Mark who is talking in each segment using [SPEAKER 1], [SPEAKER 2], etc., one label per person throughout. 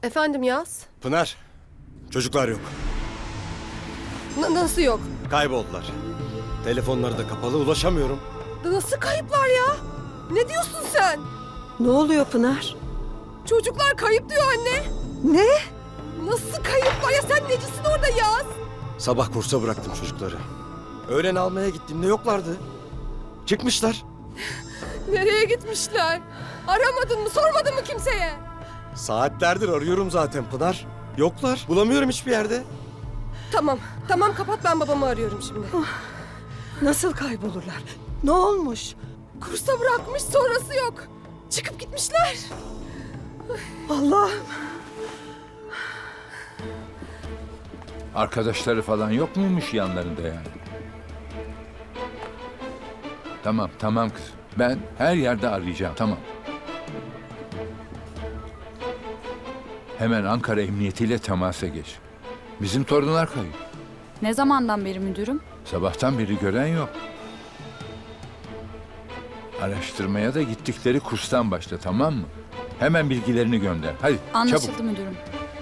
[SPEAKER 1] Efendim Yaz?
[SPEAKER 2] Pınar, çocuklar yok.
[SPEAKER 1] Nasıl yok?
[SPEAKER 2] Kayboldular. Telefonları da kapalı, ulaşamıyorum.
[SPEAKER 1] Nasıl kayıplar ya? Ne diyorsun sen?
[SPEAKER 3] Ne oluyor Pınar?
[SPEAKER 1] Çocuklar kayıp diyor anne.
[SPEAKER 3] Ne?
[SPEAKER 1] Nasıl kayıplar ya? Sen necisin orada Yaz?
[SPEAKER 2] Sabah kursa bıraktım çocukları. Öğlen almaya gittiğimde yoklardı. Çıkmışlar.
[SPEAKER 1] Nereye gitmişler? Aramadın mı? Sormadın mı kimseye?
[SPEAKER 2] Saatlerdir arıyorum zaten Pınar. Yoklar. Bulamıyorum hiçbir yerde.
[SPEAKER 1] Tamam kapat, ben babamı arıyorum şimdi.
[SPEAKER 3] Nasıl kaybolurlar? Ne olmuş?
[SPEAKER 1] Kursa bırakmış, sonrası yok. Çıkıp gitmişler.
[SPEAKER 3] Allah'ım.
[SPEAKER 4] Arkadaşları falan yok muymuş yanlarında yani? Tamam kız. Ben her yerde arayacağım, tamam. Hemen Ankara Emniyeti'yle temasa geç. Bizim torunlar kayıp.
[SPEAKER 5] Ne zamandan beri müdürüm?
[SPEAKER 4] Sabahtan beri gören yok. Araştırmaya da gittikleri kurstan başla, tamam mı? Hemen bilgilerini gönder. Hadi
[SPEAKER 5] Anlaşıldı
[SPEAKER 4] çabuk.
[SPEAKER 5] müdürüm.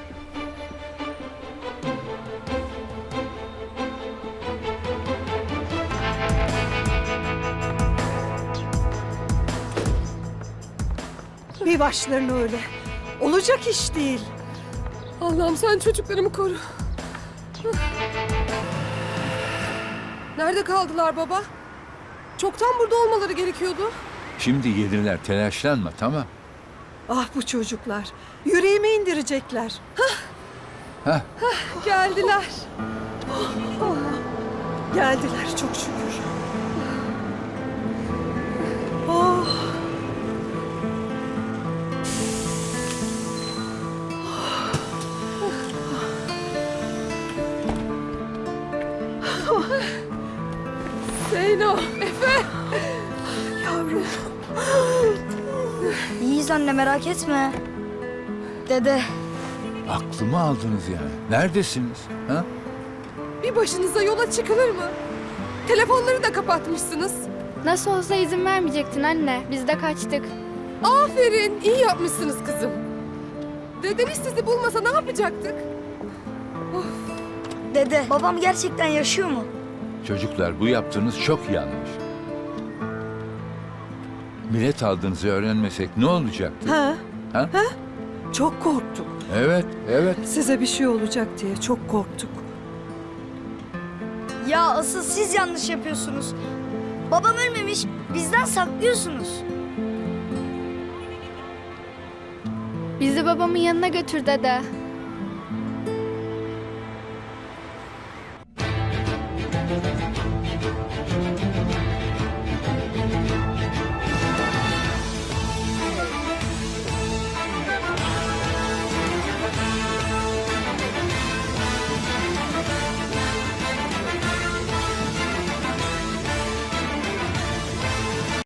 [SPEAKER 3] Bir başlarına öyle. Olacak iş değil.
[SPEAKER 1] Allah'ım sen çocuklarımı koru. Nerede kaldılar baba? Çoktan burada olmaları gerekiyordu.
[SPEAKER 4] Şimdi gelirler, telaşlanma, tamam.
[SPEAKER 3] Ah bu çocuklar. Yüreğime indirecekler.
[SPEAKER 4] Hah,
[SPEAKER 1] Geldiler.
[SPEAKER 3] Geldiler çok şükür. Oh.
[SPEAKER 1] Zeyno, Efe.
[SPEAKER 3] Yavrum.
[SPEAKER 6] İyiyiz anne, merak etme. Dede,
[SPEAKER 4] aklımı aldınız yani. Neredesiniz? Ha?
[SPEAKER 1] Bir başınıza yola çıkılır mı? Telefonları da kapatmışsınız.
[SPEAKER 7] Nasıl olsa izin vermeyecektin anne. Biz de kaçtık.
[SPEAKER 1] Aferin, iyi yapmışsınız kızım. Dedeniz sizi bulmasa ne yapacaktık?
[SPEAKER 6] dede, babam gerçekten yaşıyor mu?
[SPEAKER 4] Çocuklar, bu yaptığınız çok yanlış. Bilet aldığınızı öğrenmesek ne olacaktı?
[SPEAKER 3] Ha?
[SPEAKER 4] Ha?
[SPEAKER 3] Çok korktuk.
[SPEAKER 4] Evet.
[SPEAKER 3] Size bir şey olacak diye çok korktuk.
[SPEAKER 6] Ya asıl siz yanlış yapıyorsunuz. Babam ölmemiş, bizden saklıyorsunuz.
[SPEAKER 7] Bizi babamın yanına götür dede.